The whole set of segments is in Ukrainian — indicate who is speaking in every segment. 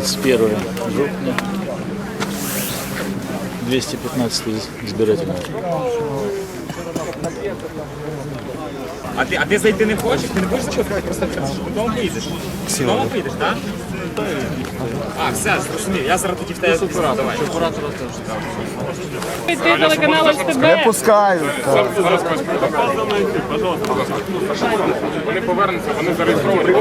Speaker 1: 31 жовтня, 215 збирательний.
Speaker 2: А ти зайти не хочеш? Ти не хочеш заходити? Просто додому поїдеш? Додому поїдеш, так? А, все, зрозумів. Я зараз тоді в тебе пісню, давай.
Speaker 3: Ти телеканал СТБ.
Speaker 4: Не пускають.
Speaker 2: Вони повернуться, вони зареєстровані.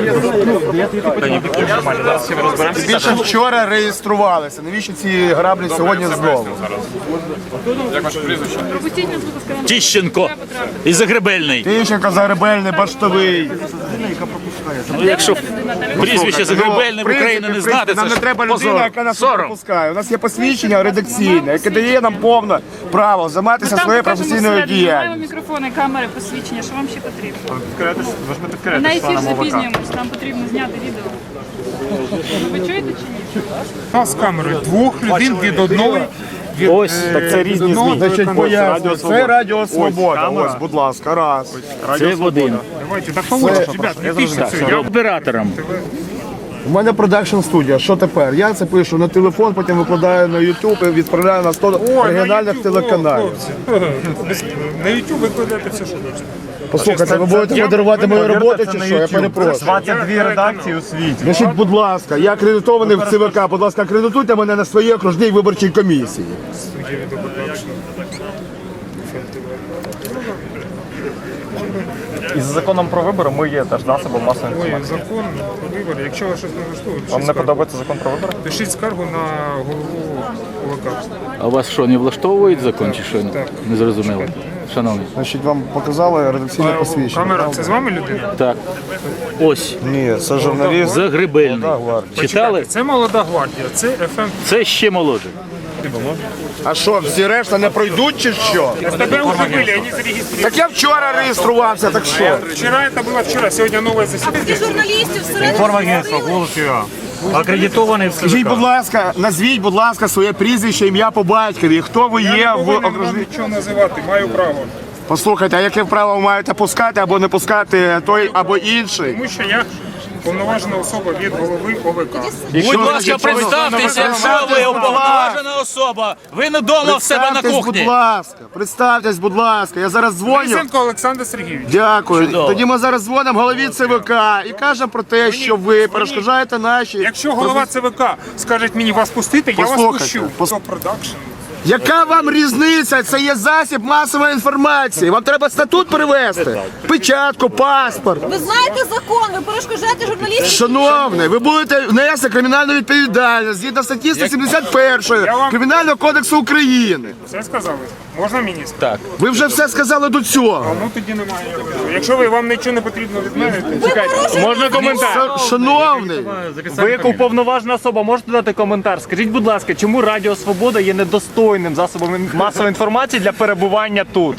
Speaker 2: Зараз ще ми розберемося.
Speaker 4: Більше вчора реєструвалися. Навіщо ці граблі сьогодні знову?
Speaker 2: Як ваше прізвище?
Speaker 3: Пропустіть нас, будь ласка, на
Speaker 1: Тищенко і Загребельний.
Speaker 4: Тищенко, Загребельний, Баштовий.
Speaker 1: Ну, якщо прізвище Загребельний в Україні не знати,
Speaker 4: нам
Speaker 1: це
Speaker 4: не треба
Speaker 1: ж
Speaker 4: людина,
Speaker 1: позор.
Speaker 4: яка нас
Speaker 1: Сором.
Speaker 4: пропускає. У нас є посвідчення редакційне, яке дає нам повне право займатися своєю професійною діяльністю.
Speaker 3: Маємо мікрофони, камери, посвідчення, що вам ще потрібно? На ефір запізнюємось, нам потрібно зняти відео. Ви чуєте чи ні?
Speaker 5: Та з камерою двох людей від одної.
Speaker 1: Ось, так це різні ЗМІ.
Speaker 4: Значить, пояснюю, це Радіо Свобода. Ось, будь ласка, раз.
Speaker 1: Це в один.
Speaker 5: Давайте, так положиш, ребят, не пишіть це.
Speaker 1: Я оператором.
Speaker 4: У мене продакшн студія. Що тепер? Я це пишу на телефон, потім викладаю на YouTube і відправляю на 100 регіональних телеканалів.
Speaker 5: На YouTube викладайте все, що хочете.
Speaker 4: Послухайте, ви будете модерувати мою роботу чи що? Я перепрошую.
Speaker 6: 22 редакції у світі.
Speaker 4: Значить, будь ласка, я акредитований в ЦВК, будь ласка, акредитуйте мене на своїй окружній виборчій комісії.
Speaker 6: І з законом про вибори ми є теж засобом масової
Speaker 5: Ой,
Speaker 6: інформації.
Speaker 5: закон про вибори. Якщо вас щось не влаштовує,
Speaker 6: Вам не подобається закон про вибори?
Speaker 5: пишіть скаргу на голову ОВК.
Speaker 1: А вас що, не влаштовують закон чи що? Не зрозуміло. Шановний.
Speaker 4: Значить, вам показали редакційне посвідчення.
Speaker 5: Камера, це з вами людина?
Speaker 1: Так. Ось.
Speaker 4: Ні, це журналіст.
Speaker 1: Загребельний. Читали?
Speaker 5: Це молода гвардія, це ФМ.
Speaker 1: Це ще молодше.
Speaker 4: А що, всі решта не пройдуть чи що?
Speaker 5: СТБ уже были, они зарегистрированы.
Speaker 4: Так я вчора реєструвався, так що?
Speaker 5: Вчера это было вчера, сегодня новое заседание.
Speaker 7: Журналістів всередині.
Speaker 6: Інформагентство, голос ЮА. Акредитований в
Speaker 4: Скажіть, будь ласка, назвіть, будь ласка, своє прізвище, ім'я по батькові. Хто ви є
Speaker 5: Я не
Speaker 4: в
Speaker 5: повинен вам
Speaker 4: окружній?
Speaker 5: нічого називати, маю право.
Speaker 4: Послухайте, а яке право ви маєте пускати або не пускати той або інший?
Speaker 5: Тому що я повноважена особа від голови ОВК.
Speaker 1: Будь ласка, представтеся, що ви уповноважена особа. Ви не вдома в себе на
Speaker 4: Представтесь, будь
Speaker 1: кухні.
Speaker 4: ласка, представтесь, будь ласка. Я зараз дзвоню.
Speaker 5: Лисенко Олександр Сергійович.
Speaker 4: Дякую.
Speaker 1: Чудово.
Speaker 4: Тоді ми зараз дзвонимо голові ЦВК і кажемо про те, що ви перешкоджаєте наші.
Speaker 5: Якщо голова ЦВК скаже мені вас пустити, я вас
Speaker 4: Послухайте,
Speaker 5: пущу. Це продакшн.
Speaker 4: Яка вам різниця? Це є засіб масової інформації. Вам треба статут перевести, печатку, паспорт.
Speaker 7: Ви знаєте закон, ви перешкоджаєте журналістів.
Speaker 4: Шановний, ви будете внести кримінальну відповідальність згідно статті 171 Кримінального кодексу України.
Speaker 5: Все сказали? Можна мені сказати?
Speaker 1: Так.
Speaker 4: Ви вже все сказали до цього.
Speaker 5: Ну тоді немає. Якщо вам нічого не потрібно від мене, то
Speaker 7: Чекайте,
Speaker 6: Можна коментар?
Speaker 4: Шановний,
Speaker 6: Ви як уповноважена особа можете дати коментар? Скажіть, будь ласка, чому Радіо Свобода є недостойним засобом масової інформації для перебування тут?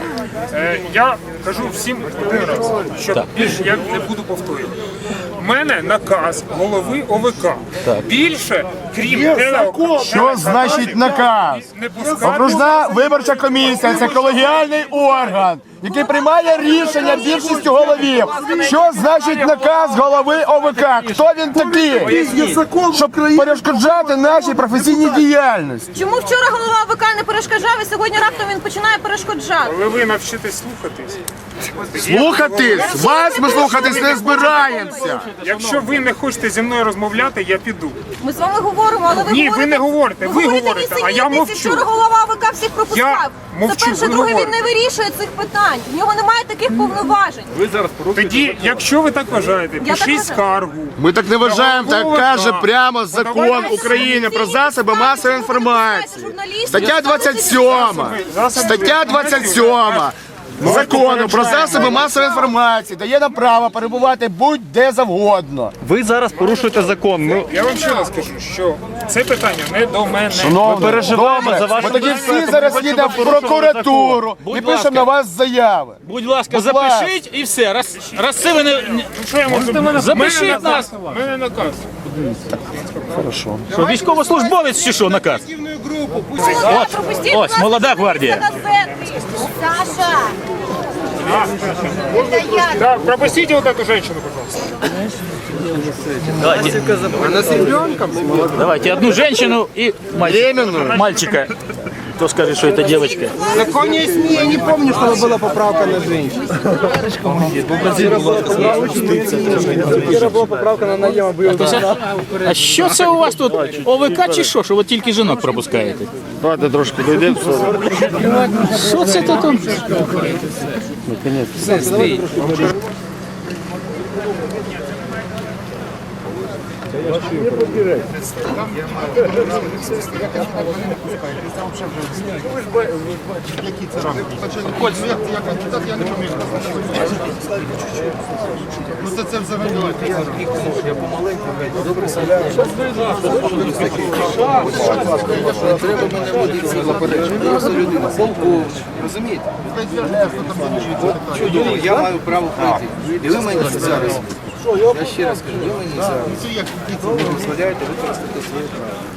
Speaker 5: я кажу всім один раз, що більше я не буду повторювати. У мене наказ голови ОВК. Більше, крім телеоканалу,
Speaker 4: що значить наказ?
Speaker 5: не пускати.
Speaker 4: Окружна виборча комісія – це колегіальний орган, який приймає рішення більшістю головів. Що значить наказ голови ОВК? Хто він такий? Щоб перешкоджати нашій професійній діяльності.
Speaker 7: чому вчора голова ОВК не перешкоджав, і сьогодні раптом він починає перешкоджати?
Speaker 5: Коли ви навчитесь слухатись,
Speaker 4: Слухатись? Вас ми слухатись не збираємося.
Speaker 5: якщо ви не хочете зі мною розмовляти, я піду.
Speaker 7: Ми з вами говоримо, але ви
Speaker 5: Ні,
Speaker 7: говорите...
Speaker 5: ви не говорите, ви говорите, а я мовчу.
Speaker 7: Вчора голова ОВК всіх пропускав.
Speaker 5: мовчу,
Speaker 7: Це перше,
Speaker 5: ви
Speaker 7: друге, він
Speaker 5: говорите.
Speaker 7: не вирішує цих питань. В нього немає таких повноважень.
Speaker 5: Тоді, якщо ви так вважаєте,
Speaker 7: Я так
Speaker 5: пишіть
Speaker 7: вважаю.
Speaker 5: скаргу.
Speaker 4: Ми так не вважаємо, так каже прямо закон України про засоби масової інформації. Стаття 27. Стаття 27. Закону про засоби масової інформації дає нам право перебувати будь-де завгодно.
Speaker 6: Ви зараз порушуєте закон.
Speaker 5: Я вам ще раз скажу, що це питання не до мене.
Speaker 4: Ми
Speaker 6: переживаємо за вашу
Speaker 4: Ми тоді
Speaker 6: безпеку.
Speaker 4: всі зараз
Speaker 6: Ми хочемо
Speaker 4: їдемо в
Speaker 6: порушувати
Speaker 4: прокуратуру і
Speaker 1: Будь
Speaker 4: пишемо
Speaker 1: ласка.
Speaker 4: на вас заяви.
Speaker 1: Будь ласка,
Speaker 4: Будь ласка.
Speaker 1: запишіть і все. Раз це ви не...
Speaker 5: Що я можу?
Speaker 1: Запишіть нас.
Speaker 5: У мене наказ.
Speaker 1: Що, військовослужбовець чи що наказ?
Speaker 7: Молода, пропустіть
Speaker 1: ось,
Speaker 7: нас
Speaker 1: молода
Speaker 7: на
Speaker 1: гвардія.
Speaker 7: газети. Саша,
Speaker 5: Да, пропустите вот эту женщину, пожалуйста.
Speaker 1: Давайте одну женщину и мальчика. Кто скажет, что это девочка?
Speaker 8: В законе СМИ я не помню, чтобы была поправка на женщин. Вчора була поправка на наєма.
Speaker 1: А що це у вас тут? ОВК чи що? Що ви тільки жінок пропускаєте?
Speaker 4: Давайте трошки дойдемо.
Speaker 1: Що це тут?
Speaker 8: Чудово, я маю право пройти. І ви мені зараз. Я ще раз кажу, ви мені зараз не дозволяєте використати своє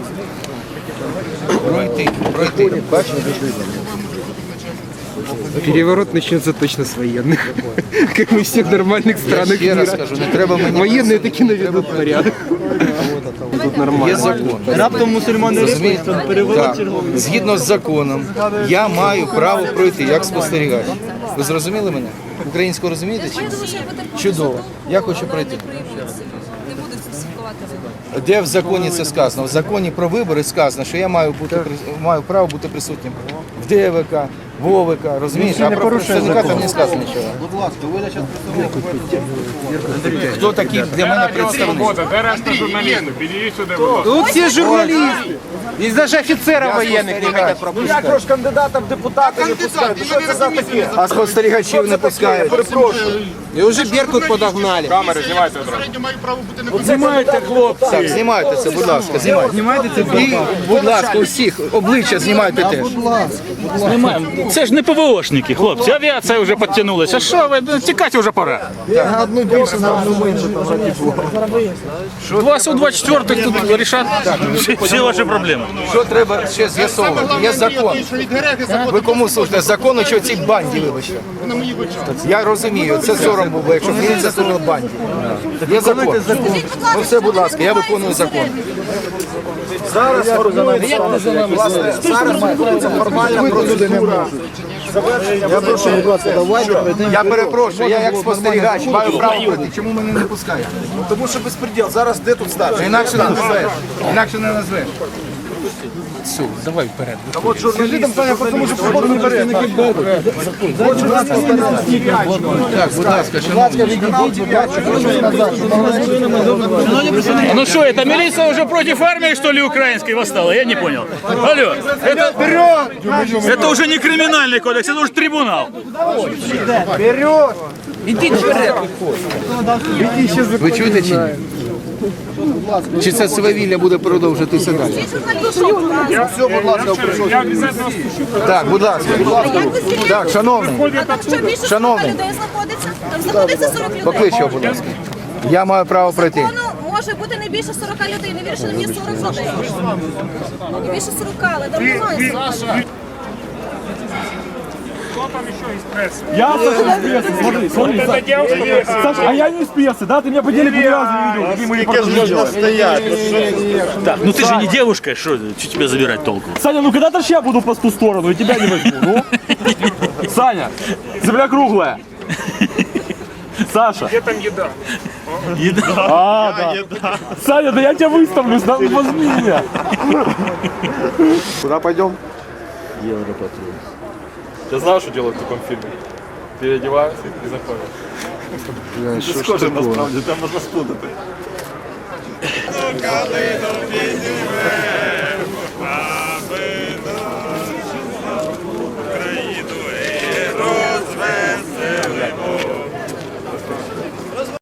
Speaker 8: право. Пройти. Бачите?
Speaker 9: Переворот начнется точно с военных, как и в всех нормальных странах
Speaker 8: Я ще раз
Speaker 9: мира.
Speaker 8: кажу, не треба мені.
Speaker 9: Военные таки наведут порядок. Тут нормально.
Speaker 8: Є закон. Раптом мусульмани розумієте? Згідно з законом, я маю право пройти як спостерігач. Ви зрозуміли мене? Українську розумієте чи ні? Чудово. Я хочу пройти. Де в законі це сказано? В законі про вибори сказано, що я маю право бути присутнім в ДВК, в ОВК, розумієте? А про представника там не сказано нічого. Хто такий для мене представник?
Speaker 5: Свобода, де решта журналістів? Підійдіть сюди, будь ласка.
Speaker 9: Тут все журналисты. Здесь даже офицеров военных не хотят пропускать.
Speaker 8: Як ж кандидата в депутати не пускають? Що це за таке? А спостерігачів не пускають.
Speaker 9: И уже Беркут подогнали.
Speaker 5: Камери знімайте одразу.
Speaker 8: Так, знімайте це, будь ласка, знімайте. І, будь ласка, усіх обличчя знімайте теж.
Speaker 1: Знімаємо. Це ж не ПВОшники, хлопці. Авіація вже підтягнулася. Що ви? Тікати вже пора.
Speaker 8: На одну більше, на одну менше.
Speaker 1: Вас у 24-х тут рішать всі ваші проблеми.
Speaker 8: Що треба ще з'ясовувати? Є закон. Ви кому служите? Закону чи цій банді, вибачте? Я розумію, це сором був, якщо б міліція служила банді. Є закон. Ну все, будь ласка, я виконую закон. Зараз формальна процедура. Я перепрошую, я як спостерігач маю право пройти. Чому мене не пускають?
Speaker 9: Тому що безпреділ. Зараз де тут стати?
Speaker 8: Інакше не назвеш. Інакше не назвеш.
Speaker 9: Скажи там, Саня, тому що проходу не бере.
Speaker 8: Так, будь ласка, шановні.
Speaker 1: Ну что, это милиция уже против армии, что ли, украинской восстала? Я не понял. Алло, это уже не криминальный кодекс, это уже трибунал.
Speaker 8: Ви чуєте чи ні? Чи це свавілля буде продовжитися далі?
Speaker 7: Все, будь ласка,
Speaker 5: Я обов'язково спущу.
Speaker 8: Так, будь ласка. Так, шановний,
Speaker 7: А так що більше 40
Speaker 8: Шановний.
Speaker 7: людей знаходиться? Там знаходиться 40 людей.
Speaker 8: поклич його, будь ласка. Я маю право пройти.
Speaker 7: Закону може бути не більше 40 людей. Не вірше, не 40 людей. Не більше 40, але там немає 40 людей.
Speaker 5: Кто там еще из прессы?
Speaker 6: Я, Саша, из прессы. Смотри, смотри.
Speaker 5: Вот эта девушка.
Speaker 6: Саша, а я не из прессы, да? Ты меня по телеку ни разу не видел. Какие мои
Speaker 1: Так, ну ты же не девушка, что тебе забирать толку?
Speaker 6: Саня, ну когда-то ж я буду по ту сторону, и тебя не возьму, ну. Саня, земля круглая. Саша.
Speaker 5: Где там еда?
Speaker 6: А, да. Саня, да я тебя выставлю, возьми меня.
Speaker 4: Куда пойдем?
Speaker 6: Я знаю, что делать в таком фильме. Переодеваемся и заходим.
Speaker 4: Що ж таке?
Speaker 6: Насправді, там можна спутати.